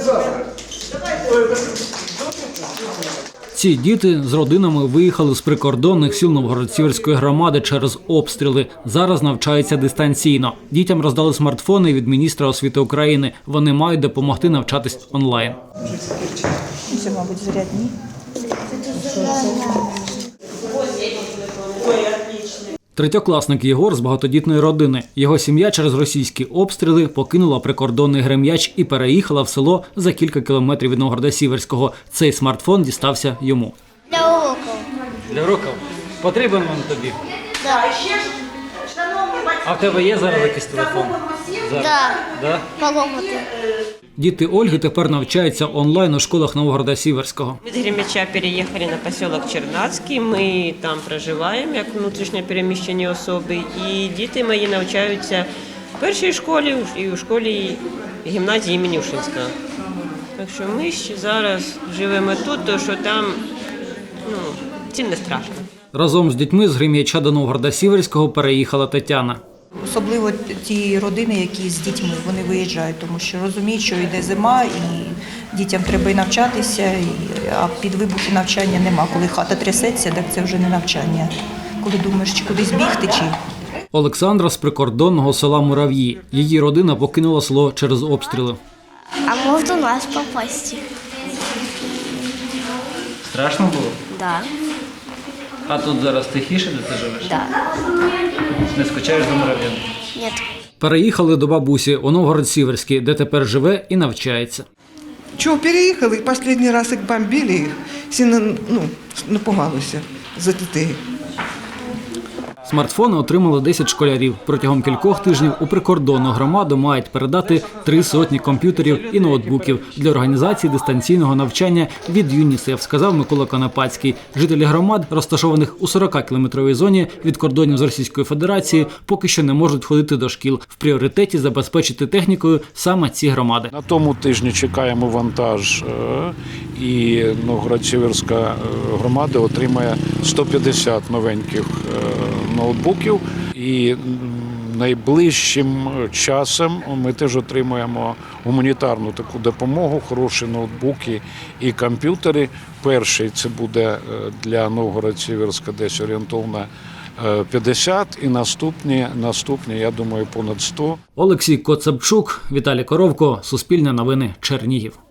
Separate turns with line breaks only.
Ці діти з родинами виїхали з прикордонних сіл Новгород-Сіверської громади через обстріли. Зараз навчаються дистанційно. Дітям роздали смартфони від міністра освіти України. Вони мають допомогти навчатись онлайн.
Це, мабуть, зарядні.
Третьокласник Єгор з багатодітної родини. Його сім'я через російські обстріли покинула прикордонний Грем'яч і переїхала в село за кілька кілометрів від Новгорода-Сіверського. Цей смартфон дістався йому.
Для уроків.
Для уроків? Потрібен він тобі?
Так.
А в тебе є зараз якийсь телефон?
Так. Поломати.
Діти Ольги тепер навчаються онлайн у школах Новгорода-Сіверського.
Від Гремяча переїхали на поселок Чернацький, ми там проживаємо як внутрішньо переміщені особи. І діти мої навчаються в першій школі і у школі гімназії імені Ушинського. Так що ми ще зараз живемо тут, тому що там цим не страшно.
Разом з дітьми з Грем'яча до Новгорода-Сіверського переїхала Тетяна.
Особливо ті родини, які з дітьми, вони виїжджають, тому що розуміють, що йде зима, і дітям треба і навчатися, а під вибухи навчання нема. Коли хата трясеться, так це вже не навчання. Коли думаєш, чи кудись бігти, чи...
Олександра з прикордонного села Мурав'ї. Її родина покинула село через обстріли.
А можна до нас попасти?
Страшно було?
Так.
А тут зараз тихіше, де ти живеш?
Да.
Не скучаєш до Мурав'ян?
Ні.
Переїхали до бабусі у Новгород-Сіверський, де тепер живе і навчається.
Чого переїхали? Останній раз як бомбили їх, всі напугалися за дітей.
Смартфони отримали 10 школярів. Протягом кількох тижнів у прикордонну громаду мають передати 300 комп'ютерів і ноутбуків для організації дистанційного навчання від ЮНІСЕФ, сказав Микола Конопацький. Жителі громад, розташованих у 40-кілометровій зоні від кордонів з Російською Федерацією, поки що не можуть ходити до шкіл. В пріоритеті забезпечити технікою саме ці громади.
На тому тижні чекаємо вантаж, і Новгород-Сіверська громада отримає 150 новеньких ноутбуків. І найближчим часом ми теж отримаємо гуманітарну таку допомогу, хороші ноутбуки і комп'ютери. Перший це буде для Новгород-Сіверська десь орієнтовно 50 і наступні, я думаю, понад 100.
Олексій Коцабчук, Віталій Коровко, Суспільне новини, Чернігів.